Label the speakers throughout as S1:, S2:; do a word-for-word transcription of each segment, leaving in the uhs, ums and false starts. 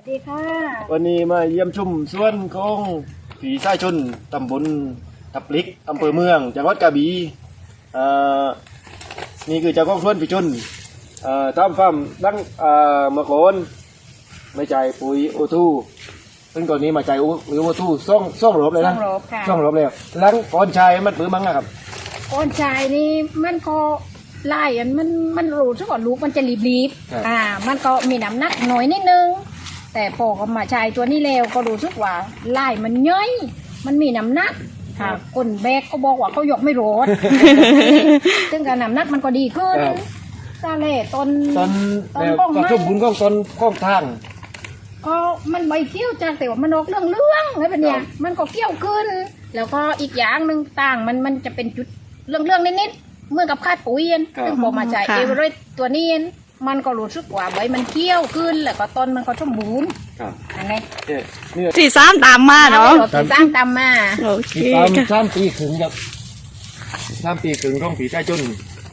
S1: ดีค่ะ
S2: วันนี้มาเยี่ยมชมสวนของผีสายชนตำบลทับลิกอำเภอเมืองจังหวัดกระบี่อ่านี่คือเจ้าของสวนผีชนอ่าทำฟาร์มดังอ่าเมื่อก่อนไม่ใจปุ๋ยโอทูซึ่งก่อนนี้มาใจปุ๋ยโอทูซ่องซ่องรบเลย
S1: ต้
S2: นะ
S1: องรบค่ะ
S2: ซ่องรบเลยหลังก่อนชายมันปื้อมั้งนะครับ
S1: ก้อนชายนี่มันก็ไล่อันมันมันรู้ซะก่อนลูกมันจะรีบ
S2: ครับ
S1: ๆอ่า มันก็มีน้ำหนักหน่อยนิดนึง แต่พอเขามาชายตัวนี้แล้วก็รู้สึกว่าไล่มันย่อยมันมีน้ำหนักค่ะคนแบกก็บอกว่าเขายกไม่รอด ซึ่งการน้ำหนักมันก็ดีขึ้น
S2: ครับ
S1: ซาเล่ตอน
S2: ตอน
S1: ตอน
S2: แล้ว
S1: ก้อง
S2: ก็
S1: ไม้
S2: ชมบุญก้องตอนก้องทาง
S1: ก็มันใบเกี้ยวจากแต่ว่ามันออกเรื่องเรื่องๆแล้วเป็นเนี่ย
S2: ครับ
S1: มันก็เกี้ยวขึ้น แล้วก็อีกอย่างหนึ่งต่างมันมันจะเป็นจุดเรื่องเรื่องๆนิดๆเหมื่อนกับคาดปุ๋ยเอง
S2: ครับ
S1: ซึ่งพอมาใช้
S3: ค่ะ
S1: เอเวอเรสต์ตัวนี้เองมันก็รู้สึกว่าใบมันเกี้ยวขึ้น แล้วก็ต้นมันก็สมบูรณ์
S2: ครับ
S1: อันนี้
S2: เนี่ยนี่
S3: สี่สามตามมาเนาะ
S1: เราติดสร้างตามมา
S3: โอเค
S2: ติดตาม
S3: ค่ะ
S2: สามปีขึงครับสามปีขึงของผีสายชน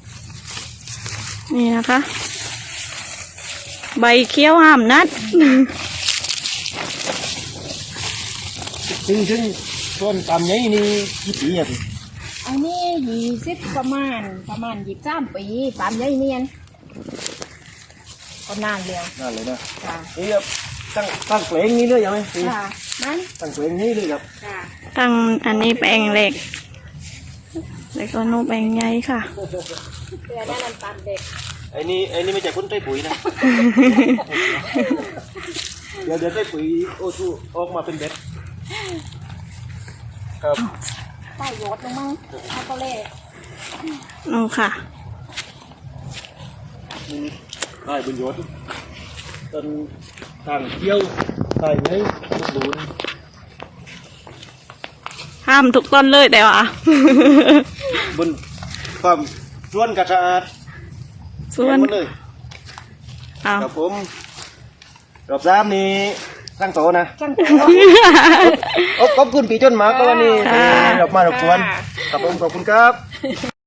S3: นี่นะคะ ใบเขียวห้ามนัด
S2: ซึ่งซึ่งส่วนตามนี้นี่กี่ปีอ่ะพี่
S1: อันนี้ยี่สิบประมาณประมาณยี่สิบสามปีตามยายเนียนก็นานแล้ว
S2: นั่นเลยนะ
S1: ค่ะ
S2: นี่ครับตั้งตั้งเพลงนี้เลยยังไหมพี่
S1: ค่ะนั้น
S2: ตั้งเพลงนี้เลยครับ
S1: ค่ะ
S3: ตั้งอันนี้แปลงเล็กแล้วก็นูนแปลงใหญ่ค่ะ
S1: เพื่อได้นำตามเด็ก
S2: ไอ้นี่ไอ้นี่ไม่ใช่คนใต้ปุ๋ยนะ เดี๋ยวเดี๋ยวใต้ปุ๋ยโอ้ทูออกมาเป็นเบ็ดครับ
S1: ใต้ยศลงมั้งเอาก็เล่
S3: นูนค่ะ
S2: ได้บุญยศต้นทางเที่ยวได้ไหมสมบูรณ์
S3: ห้ามทุกต้นเลยแต่ว่า
S2: บนความส่วนกระสะอาด
S3: ส่วน
S2: เห็หมดเลย
S3: เอา
S2: ครับผมรอบสามนี้ตั้งโตนะ
S1: ช่างตัว
S2: ขอบขอบคุณปีจนหมากก็วันนี้
S3: ค่ะ
S2: ที่เรามารบกวน
S1: ค่ะ
S2: ครับผมขอบคุณครับ